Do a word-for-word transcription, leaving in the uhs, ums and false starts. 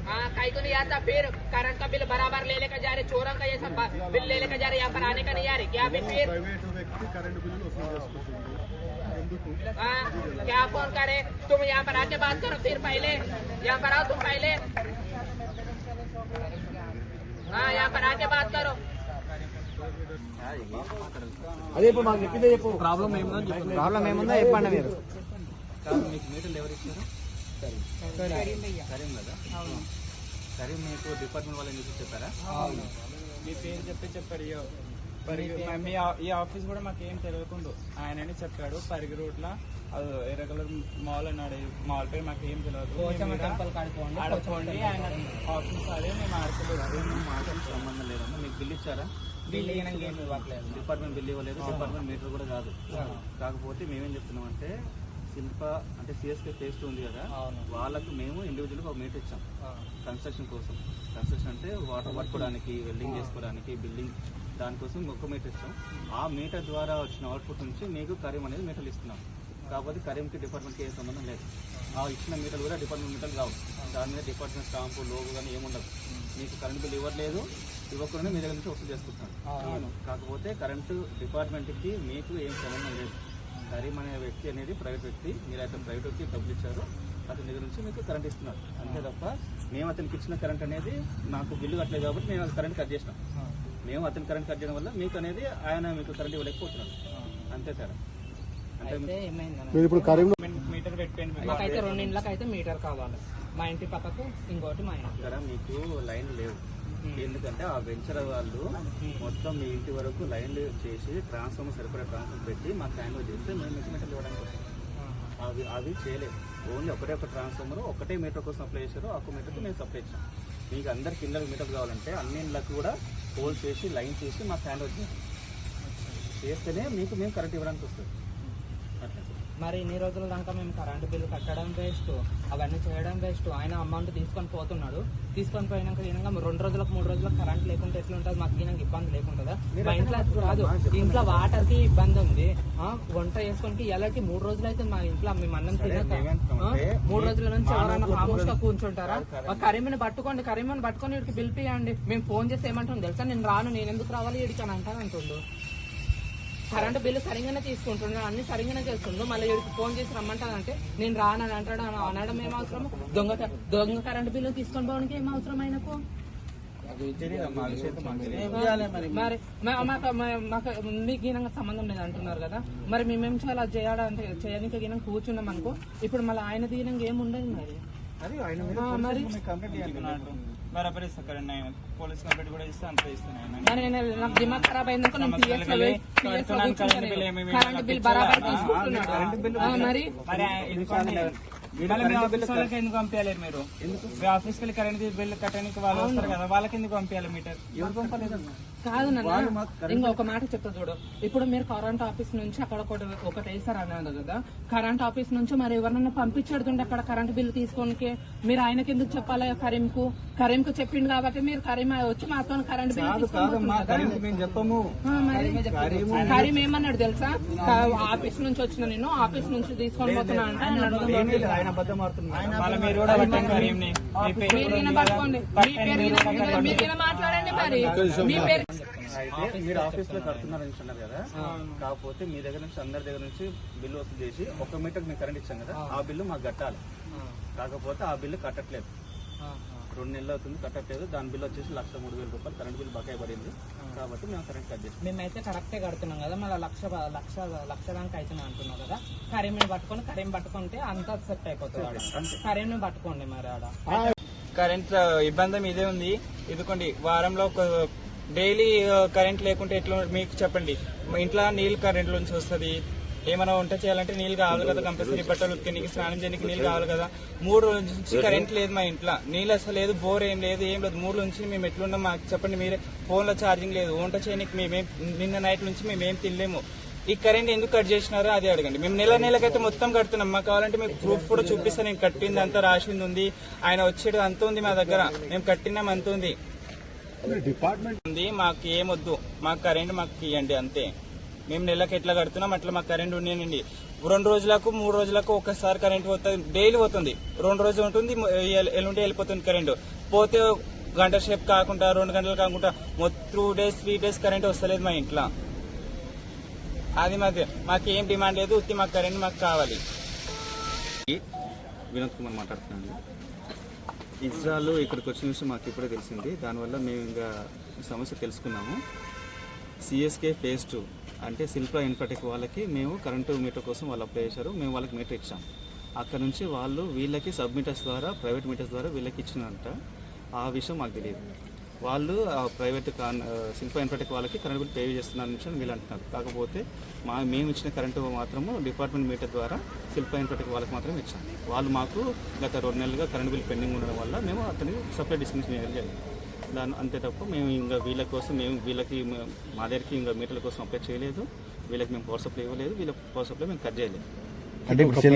हाँ कहीं को नहीं आता, फिर करंट का बिल बराबर ले लेकर जा रहे, चोरों का ये सब बिल ले लेकर जा रहे, यहाँ पर आने का नहीं आ रहे क्या? फिर फिर हाँ क्या फोन करे? तुम यहाँ पर आके बात करो, फिर पहले यहाँ पर आओ तुम पहले, हाँ यहाँ पर आके बात करो. అదే ఇప్పుడు మాకు చెప్పిందే చెప్పు. ప్రాబ్లం ఏముందో ప్రాబ్లం ఏముందో చెప్పండి మీరు. మీకు మీటర్లు ఎవరు ఇచ్చారు? కరీం కదా. కరీం మీకు డిపార్ట్మెంట్ వాళ్ళని చూసి చెప్పారా? మీ పేరు చెప్పి చెప్పారు. మీ ఈ ఆఫీస్ కూడా మాకు ఏం తెలియకుండా ఆయనని చెప్పాడు. పరిగి రోడ్ లా ఎర్ర కలర్ మాల్ అన్నాడు. మాల్ పేరు మాకు ఏం తెలియదు. ఆడుకోండి ఆయన ఆఫీస్ అదే మేము ఆడుకోలేదు. మాటలు సంబంధం లేదమ్మా. మీకు బిల్ ఇచ్చారా? బిల్ ఏం ఇవ్వట్లేదు. డిపార్ట్మెంట్ బిల్ ఇవ్వలేదు. డిపార్ట్మెంట్ మీటర్ కూడా కాదు. కాకపోతే మేమేం చెప్తున్నాం అంటే శిల్ప అంటే సిఎస్కే ఫేస్ ఉంది కదా, వాళ్ళకు మేము ఇండివిజువల్గా ఒక మీటర్ ఇచ్చాం కన్స్ట్రక్షన్ కోసం. కన్స్ట్రక్షన్ అంటే వాటర్ పట్టుకోవడానికి, వెల్డింగ్ చేసుకోవడానికి, బిల్డింగ్ దానికోసం ఒక మీటర్ ఇచ్చాం. ఆ మీటర్ ద్వారా వచ్చిన అవుట్పుట్ నుంచి మీకు కరీం అనేది మీటర్లు ఇస్తున్నాం. కాకపోతే కరీంకి డిపార్ట్మెంట్కి ఏ సంబంధం లేదు. ఆ ఇచ్చిన మీటర్లు కూడా డిపార్ట్మెంట్ మీటర్లు కావు. దాని మీద డిపార్ట్మెంట్ స్టాంపు లోగో కానీ ఏముండదు. మీకు కరెంట్ బిల్ ఇవ్వట్లేదు, ఇవ్వకుండా మీ దగ్గర నుంచి వసూలు చేసుకుంటున్నాను. కాకపోతే కరెంటు డిపార్ట్మెంట్కి మీకు ఏం సంబంధం లేదు. కరీం అనే వ్యక్తి అనేది ప్రైవేట్ వ్యక్తి. మీరు అతను ప్రైవేట్ వ్యక్తి డబ్బులు ఇచ్చారు, అతని దగ్గర నుంచి మీకు కరెంట్ ఇస్తున్నారు అంతే తప్ప మేము అతనికి ఇచ్చిన కరెంట్ అనేది నాకు బిల్లు కట్టలేదు కాబట్టి మేము కరెంట్ కట్ చేసినాం. మేము అతని కరెంట్ కట్ చేయడం వల్ల మీకు అనేది ఆయన మీకు కరెంట్ ఇవ్వలేకపోతున్నారు అంతే తేడా. అంటే మీటర్ పెట్టిపోయింది. మాకైతే రెండు ఇండ్లకు అయితే మీటర్ కావాలి. మా ఇంటి పక్కకు ఇంకోటి మా ఇంటి ఇక్కడ మీకు లైన్ లేవు. ఎందుకంటే ఆ వెంచర్ వాళ్ళు మొత్తం మీ ఇంటి వరకు లైన్లు చేసి ట్రాన్స్ఫార్మర్ సరిపడా ట్రాన్స్ఫార్మర్ పెట్టి మాకు హ్యాండ్ చేస్తే మేము మీకు మీటర్లు ఇవ్వడానికి వస్తాం. అవి అవి చేయలేదు. ఓన్లీ ఒకటే ఒక ట్రాన్స్ఫార్మర్ ఒకటే మీటర్ కోసం సప్లై చేశారు. ఒక్క మీటర్కి మేము సప్లై ఇచ్చాం. మీకు అందరికి ఇళ్ళకి మీటర్లు కావాలంటే అన్ని ఇళ్ళకు కూడా హోల్ చేసి లైన్ చేసి మాకు హ్యాండ్ ఓవర్ చేస్తేనే మీకు మేము కరెంట్ ఇవ్వడానికి వస్తుంది. మరి ఇన్ని రోజుల దాకా మేము కరెంటు బిల్లు కట్టడం వేస్ట్, అవన్నీ చేయడం వేస్ట్. ఆయన అమౌంట్ తీసుకొని పోతున్నాడు. తీసుకొని పోయినాక ఈయనగా రెండు రోజులకు మూడు రోజులకు కరెంట్ లేకుంటే ఎట్లుంటుంది? మాకు ఈయనకి ఇబ్బంది లేకుంటుందా? మా ఇంట్లో కాదు, ఇంట్లో వాటర్ కి ఇబ్బంది ఉంది. వంట చేసుకొని ఎలాంటి మూడు రోజులు అయితే మా ఇంట్లో మేము అన్నం తినక మూడు రోజుల నుంచి ఎవరైనా ఖామోష్గా కూర్చుంటారా? కరీంని పట్టుకోండి, కరీంని పట్టుకొని వీడికి బిల్ పియండి. మేము ఫోన్ చేసి ఏమంటాం తెలుసా? నేను రాను, నేను ఎందుకు రావాలి వీడికి అని అంటాను అంటుండు. కరెంటు బిల్లు సరిగానే తీసుకుంటున్నాడు, అన్ని సరిగానే చేస్తుండు. మళ్ళీ వీడికి ఫోన్ చేసి రమ్మంటానంటే నేను రానని అంటాడు. అనడం ఏం అవసరం? దొంగ దొంగ కరెంటు బిల్లు తీసుకొని పోవడానికి ఏం అవసరం ఆయనకు? మరి మాకు మీకు ఈయనంగా సంబంధం లేదు అంటున్నారు కదా, మరి మేమేం చేయాలి? అది చేయాలంటే చేయడానికి ఈయన కూర్చున్నాం అనుకో. ఇప్పుడు మళ్ళీ ఆయన దీనంగా ఏమి ఉండదు. మరి బరాబర్ ఇస్తాను. పోలీస్ కంప్లైంట్ కూడా ఇస్తే అంత ఇస్తాను. మరి నాకు దిమాగ్ ఖరాబ్ అయిందనుకో నేను కరెంట్ బిల్ బరాబర్ తీసుకుంటున్నాడు. మరి ఎందుకు పంపించలేరు మీరు? మీ ఆఫీస్కి వెళ్ళి కరెంట్ బిల్ కట్టడానికి వాళ్ళు వస్తారు కదా, వాళ్ళకి ఎందుకు పంపించాలి మీటర్? ఎవరు పంపలేదు కాదు నాన్న, ఇంకొక మాట చెప్తా చూడు. ఇప్పుడు మీరు కరెంట్ ఆఫీస్ నుంచి అక్కడ ఒకటి ఒకటి వేస్తారు అన్నారు కదా, కరెంట్ ఆఫీస్ నుంచి మరి ఎవరన్నా పంపించేడుతుండే అక్కడ కరెంట్ బిల్ తీసుకోనికి మీరు ఆయనకి ఎందుకు చెప్పాలి? కరీంకు కరీంకు చెప్పిండు కాబట్టి మీరు కరీం వచ్చి మాతో కరెంట్ బిల్ చెప్పము. కరీం ఏమన్నాడు తెలుసా? ఆఫీస్ నుంచి వచ్చిన నేను ఆఫీస్ నుంచి తీసుకొని పోతున్నా అంటే మాట్లాడండి. మరి మీ పేరు అయితే మీరు ఆఫీస్ లో కడుతున్నారని అన్నారు కదా, కాకపోతే మీ దగ్గర నుంచి అందరి దగ్గర నుంచి బిల్లు వసూలు చేసి ఒక మీటర్ మీకు కరెంట్ ఇచ్చాం కదా, ఆ బిల్లు మాకు కట్టాలి. కాకపోతే ఆ బిల్లు కట్టట్లేదు. రెండు నెలలు అవుతుంది కట్టట్లేదు. దాని బిల్లు వచ్చేసి లక్ష మూడు వేల రూపాయలు కరెంట్ బిల్ బకాయి పడింది. కాబట్టి మేము కరెంట్ కట్ చేస్తాం. మేమైతే కరెక్టే కడుతున్నాం కదా, మళ్ళీ లక్ష లక్ష లక్ష దానికి అవుతున్నాం అంటున్నాం కదా. కరీంని పట్టుకొని కరీం పట్టుకుంటే అంతా సెట్ అయిపోతుంది. కరీంని పట్టుకోండి. మరి ఆడ కరెంట్ ఇబ్బంది ఇదే ఉంది. ఇదిగోండి వారంలో ఒక డైలీ కరెంట్ లేకుంటే ఎట్లా మీకు చెప్పండి. ఇంట్లో నీళ్ళు కరెంట్ నుంచి వస్తుంది. ఏమైనా వంట చేయాలంటే నీళ్ళు కావాలి కదా, కంపల్సరీ బట్టలు ఉతికి స్నానం చేయడానికి నీళ్ళు కావాలి కదా. మూడు రోజుల నుంచి కరెంట్ లేదు మా ఇంట్లో, నీళ్ళు అసలు లేదు, బోర్ ఏం లేదు, ఏం లేదు. మూడు నుంచి మేము ఎట్లున్నాం మాకు చెప్పండి మీరే. ఫోన్లో ఛార్జింగ్ లేదు, వంట చేయడానికి మేమేం నిన్న నైట్ నుంచి మేమేం తినలేము. ఈ కరెంట్ ఎందుకు కట్ చేసినారో అది అడగండి. మేము నెల నెలకైతే మొత్తం కడుతున్నాం. మాకు కావాలంటే మీకు ప్రూఫ్ కూడా చూపిస్తాను. నేను కట్టింది అంతా రాసింది ఉంది, ఆయన వచ్చేది అంత ఉంది మా దగ్గర, మేము కట్టినాం అంత ఉంది. డిపార్ట్మెంట్ మాకు ఏమొద్దు, మాకు కరెంట్ మాకు ఇవ్వండి అంతే. మేము నెలకి ఎట్లా కడుతున్నాం అట్లా మాకు కరెంట్ ఉండేనండి. రెండు రోజులకు మూడు రోజులకు ఒక్కసారి కరెంట్ పోతుంది, డైలీ పోతుంది. రెండు రోజులు ఉంటుంది, ఎల్- ఎల్లుండి వెళ్ళిపోతుంది కరెంట్. పోతే గంట సేపు కాకుండా రెండు గంటలు కాకుండా మొత్తం two days three days current వస్తలేదు మా ఇంట్లో. అది మాకు మాకు ఏం డిమాండ్ లేదు, ఉత్తి మాకు కరెంట్ మాకు కావాలి. వినోద్ కుమార్ మాట్లాడుతున్నాను. ఇజ్రాయల్ ఇక్కడికి వచ్చిన విషయం మాకు ఇప్పుడే తెలిసింది. దానివల్ల మేము ఇంకా ఈ సమస్య తెలుసుకున్నాము. సిఎస్కే ఫేజ్ టూ అంటే శిల్ప ఇన్ఫర్టెక్ వాళ్ళకి మేము కరెంటు మీటర్ కోసం వాళ్ళు అప్లై చేశారు. మేము వాళ్ళకి మీటర్ ఇచ్చాం. అక్కడ నుంచి వాళ్ళు వీళ్ళకి సబ్ మీటర్స్ ద్వారా ప్రైవేట్ మీటర్స్ ద్వారా వీళ్ళకి ఇచ్చినంట. ఆ విషయం మాకు తెలియదు. వాళ్ళు ఆ ప్రైవేట్ కాన్ శిల్ప ఇన్ఫర్టెక్ వాళ్ళకి కరెంట్ బిల్ పే చేస్తున్నారు విషయం వీళ్ళు అంటున్నారు. కాకపోతే మా మేము ఇచ్చిన కరెంటు మాత్రము డిపార్ట్మెంట్ మీటర్ ద్వారా శిల్ప ఇన్ఫర్టెక్ వాళ్ళకి మాత్రమే ఇచ్చాం. వాళ్ళు మాకు గత రెండు నెలలుగా కరెంట్ బిల్ పెండింగ్ ఉండడం వల్ల మేము అతనికి సపరేట్ డిస్కషన్ చేయాలి జరిగింది. దాని అంతే తప్ప మేము ఇంకా వీళ్ళ కోసం మేము వీళ్ళకి మా దగ్గరికి ఇంకా మీటర్ల కోసం అప్లై చేయలేదు. వీళ్ళకి మేము పవర్ సప్లై ఇవ్వలేదు. వీళ్ళ పవర్ సప్లై మేము కట్ చేయలేదు. అంటే